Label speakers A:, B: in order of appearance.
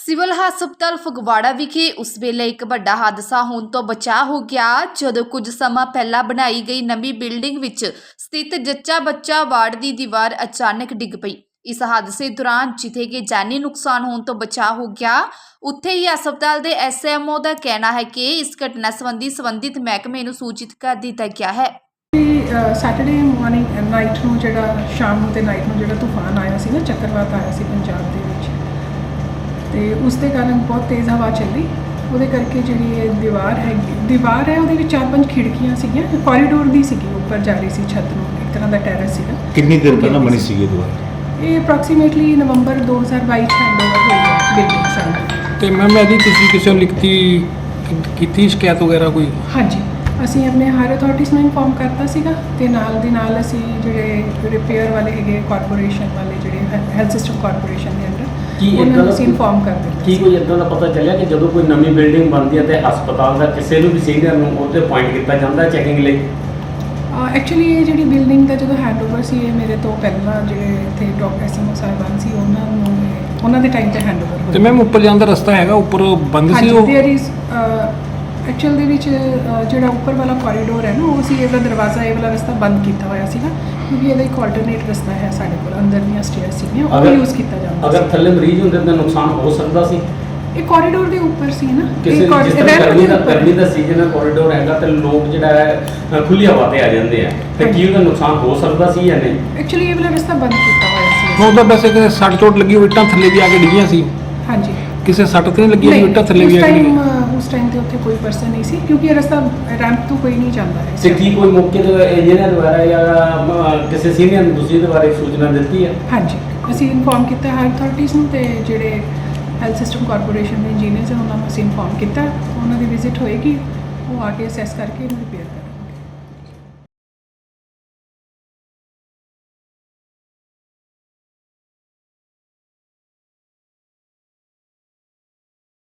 A: Civil ਹਸਪਤਾਲ ਫਗਵਾੜਾ ਵਿਖੇ ਉਸ ਵੇਲੇ ਇੱਕ ਵੱਡਾ ਹਾਦਸਾ ਹੋਣ ਤੋਂ ਬਚਾ ਹੋ ਗਿਆ ਜਦੋਂ ਕੁਝ ਸਮਾਂ ਪਹਿਲਾਂ ਬਣਾਈ ਗਈ ਨਵੀਂ ਬਿਲਡਿੰਗ ਵਿੱਚ ਸਥਿਤ ਜੱਚਾ ਬੱਚਾ ਵਾਰਡ ਦੀ ਦੀਵਾਰ ਅਚਾਨਕ ਡਿੱਗ ਪਈ। ਇਸ ਹਾਦਸੇ ਦੌਰਾਨ ਜਿੱਥੇ ਕਿ ਜਾਨੀ ਨੁਕਸਾਨ ਹੋਣ ਤੋਂ ਬਚਾ ਹੋ ਗਿਆ, ਉੱਥੇ ਹੀ ਹਸਪਤਾਲ ਦੇ ਐਸਐਮਓ ਦਾ ਕਹਿਣਾ ਹੈ ਕਿ ਇਸ ਘਟਨਾ ਸੰਬੰਧੀ ਸੰਬੰਧਿਤ ਮਹਿਕਮੇ ਨੂੰ ਸੂਚਿਤ ਕਰ ਦਿੱਤਾ ਗਿਆ ਹੈ।
B: ਸੈਟਰਡੇ ਮਾਰਨਿੰਗ ਨਾਈਟ ਨੂੰ ਜਿਹੜਾ ਸ਼ਾਮ ਨੂੰ ਤੇ ਨਾਈਟ ਨੂੰ ਜਿਹੜਾ ਤੂਫਾਨ ਆਇਆ ਸੀ ਨਾ, ਚੱਕਰਵਾਤ ਆਇਆ ਸੀ ਪੰਜਾਬ ਦੇ ਵਿੱਚ, ਤੇ ਉਸ ਦੇ ਕਾਰਨ ਬਹੁਤ ਤੇਜ਼ ਹਵਾ ਚੱਲੀ। ਉਹਦੇ ਕਰਕੇ ਜਿਹੜੀ ਇਹ ਦੀਵਾਰ ਹੈ ਉਹਦੇ ਵਿੱਚ 4-5 ਖਿੜਕੀਆਂ ਸੀਗੀਆਂ, ਕੋਰੀਡੋਰ ਦੀ ਸੀਗੀ, ਉੱਪਰ ਜਾ ਰਹੀ ਸੀ ਛੱਤ ਨੂੰ, ਇੱਕ ਤਰ੍ਹਾਂ ਦਾ ਟੈਰੇਸ ਸੀਗਾ।
C: ਕਿੰਨੀ ਦੇਰ ਪਹਿਲਾਂ ਬਣੀ ਸੀਗੀ ਦੀਵਾਰ?
B: ਇਹ ਅਪਰੋਕਸੀਮੇਟਲੀ ਨਵੰਬਰ 2022 ਚ ਹੈਂਡਓਵਰ ਹੋਈ ਹੈ ਬਿਲਡਿੰਗ ਸਾਨੂੰ।
D: ਤੇ ਮੈਮ ਇਹਦੀ ਤੁਸੀਂ ਕਿਸੇ ਨੂੰ ਲਿਖਤੀ ਕੀਤੀ ਸ਼ਿਕਾਇਤ ਵਗੈਰਾ ਕੋਈ?
B: ਹਾਂਜੀ, ਅਸੀਂ ਆਪਣੇ ਹਾਇਰ ਅਥਾਰਟੀਜ਼ ਨੂੰ ਇਨਫੋਰਮ ਕਰਤਾ ਸੀਗਾ, ਤੇ ਨਾਲ ਦੀ ਨਾਲ ਅਸੀਂ ਜਿਹੜੇ ਰਿਪੇਅਰ ਵਾਲੇ ਹੈਗੇ ਕਾਰਪੋਰੇਸ਼ਨ ਵਾਲੇ, ਜਿਹੜੇ ਹੈਲਥ ਸਿਸਟਮ ਕਾਰਪੋਰੇਸ਼ਨ ਦੇ ਅੰਡਰ, ਉਹਨਾਂ ਨੂੰ ਅਸੀਂ ਇਨਫੋਰਮ ਕਰ ਦਿੱਤਾ।
E: ਕੀ ਕੋਈ ਇੱਦਾਂ ਦਾ ਪਤਾ ਚੱਲਿਆ ਕਿ ਜਦੋਂ ਕੋਈ ਨਵੀਂ ਬਿਲਡਿੰਗ ਬਣਦੀ ਹੈ ਤੇ ਹਸਪਤਾਲ ਦਾ ਕਿਸੇ ਨੂੰ ਵੀ ਸੀਨੀਅਰ ਨੂੰ ਉਹਤੇ ਪੁਆਇੰਟ ਕੀਤਾ ਜਾਂਦਾ ਚੈਕਿੰਗ ਲਈ?
B: ਐਕਚੁਅਲੀ ਇਹ ਜਿਹੜੀ ਬਿਲਡਿੰਗ ਦਾ ਜਦੋਂ ਹੈਂਡਓਵਰ ਸੀ, ਇਹ ਮੇਰੇ ਤੋਂ ਪਹਿਲਾਂ ਜਿਹੜੇ ਇੱਥੇ ਡਾਕਟਰ ਐਸਐਮਓ ਸਾਹਿਬਾਨ ਸੀ, ਉਹਨਾਂ ਦੇ ਟਾਈਮ ਤੇ ਹੈਂਡਓਵਰ ਹੋਇਆ।
D: ਤੇ ਮੈਮ ਉੱਪਰ ਜਾਣ ਦਾ ਰਸਤਾ ਹੈਗਾ, ਉੱਪਰ ਬੰਦ ਸੀ ਉਹ?
B: ਐਕਚੁਅਲ ਦੇ ਵਿੱਚ ਜਿਹੜਾ ਉੱਪਰ ਵਾਲਾ ਕੋਰੀਡੋਰ ਹੈ ਨਾ, ਉਹ ਸੀ, ਇਹਦਾ ਦਰਵਾਜ਼ਾ, ਇਹ ਵਾਲਾ ਰਸਤਾ ਬੰਦ ਕੀਤਾ ਹੋਇਆ ਸੀਗਾ, ਕਿਉਂਕਿ ਇਹਦਾ ਇੱਕ ਆਲਟਰਨੇਟ ਰਸਤਾ ਹੈ ਸਾਡੇ ਕੋਲ, ਅੰਦਰ ਦੀਆਂ ਸਟੇਅਰ ਸੀਗੀਆਂ, ਉਹ ਯੂਜ਼ ਕੀਤਾ ਜਾਂਦਾ।
E: ਅਗਰ ਥੱਲੇ ਮਰੀਜ਼ ਹੁੰਦੇ ਤਾਂ ਨੁਕਸਾਨ ਹੋ ਸਕਦਾ ਸੀ।
B: ਇਹ ਕੋਰੀਡੋਰ ਦੇ ਉੱਪਰ ਸੀ ਨਾ,
E: ਕਿਸੇ ਗਰਮੀ ਦਾ ਸੀਜ਼ਨ ਹੈ, ਕੋਰੀਡੋਰ ਹੈਗਾ ਤੇ ਲੋਕ ਜਿਹੜਾ ਹੈ ਖੁੱਲੀ ਹਵਾ ਤੇ ਆ ਜਾਂਦੇ ਆ, ਤੇ ਕੀ ਉਹਦਾ ਨੁਕਸਾਨ ਹੋ ਸਕਦਾ ਸੀ ਜਾਂ ਨਹੀਂ?
B: ਐਕਚੁਅਲੀ ਇਹ ਵਾਲਾ ਰਸਤਾ ਬੰਦ ਕੀਤਾ ਹੋਇਆ ਸੀ।
D: ਉਹਦਾ ਵੈਸੇ ਕਿ ਸੱਟ ਚੋਟ ਲੱਗੀ ਹੋਈ, ਇੱਟਾਂ ਥੱਲੇ ਵੀ ਆ ਕੇ ਡਿੱਗੀਆਂ ਸੀ?
B: ਹਾਂਜੀ,
D: ਕਿਸੇ ਸੱਟ ਤੇ ਨਹੀਂ ਲੱਗੀ ਹੋਈ, ਇੱਟਾਂ ਥੱਲੇ ਵੀ ਆ ਕੇ ਡਿੱਗੀਆਂ?
B: ਉਸ ਟਾਈਮ ਤੇ ਉੱਥੇ ਕੋਈ ਪਰਸਨ ਨਹੀਂ ਸੀ, ਕਿਉਂਕਿ ਇਹ ਰਸਤਾ ਰੈਂਪ ਤੋਂ ਕੋਈ ਨਹੀਂ ਜਾਂਦਾ ਹੈ।
E: ਤੇ ਕੀ ਕੋਈ ਮੌਕੇ ਤੇ ਇੰਜੀਨੀਅਰ ਦੁਆਰਾ ਜਾਂ ਕਿਸੇ ਸੀਨੀਅਰ ਨੂੰ ਤੁਸੀਂ ਇਹਦੇ ਬਾਰੇ ਸੂਚਨਾ ਦਿੱਤੀ ਹੈ?
B: ਹਾਂਜੀ, ਅਸੀਂ ਇਨਫੋਰਮ ਕੀਤਾ ਹਾਇਰ ਅਥਾਰਟੀਜ਼ ਨੂੰ, ਤੇ ਜਿਹੜੇ ਹੈਲਥ ਸਿਸਟਮ ਕਾਰਪੋਰੇਸ਼ਨ ਦੇ ਇੰਜੀਨੀਅਰਸ ਹਨ ਉਹਨਾਂ ਨੂੰ ਅਸੀਂ ਇਨਫੋਰਮ ਕੀਤਾ। ਉਹਨਾਂ ਦੀ ਵਿਜ਼ਿਟ ਹੋਏਗੀ, ਉਹ ਆ ਕੇ ਅਸੈਸ ਕਰਕੇ ਇਹਨੂੰ ਰਿਪੇਅਰ ਕਰਨਗੇ।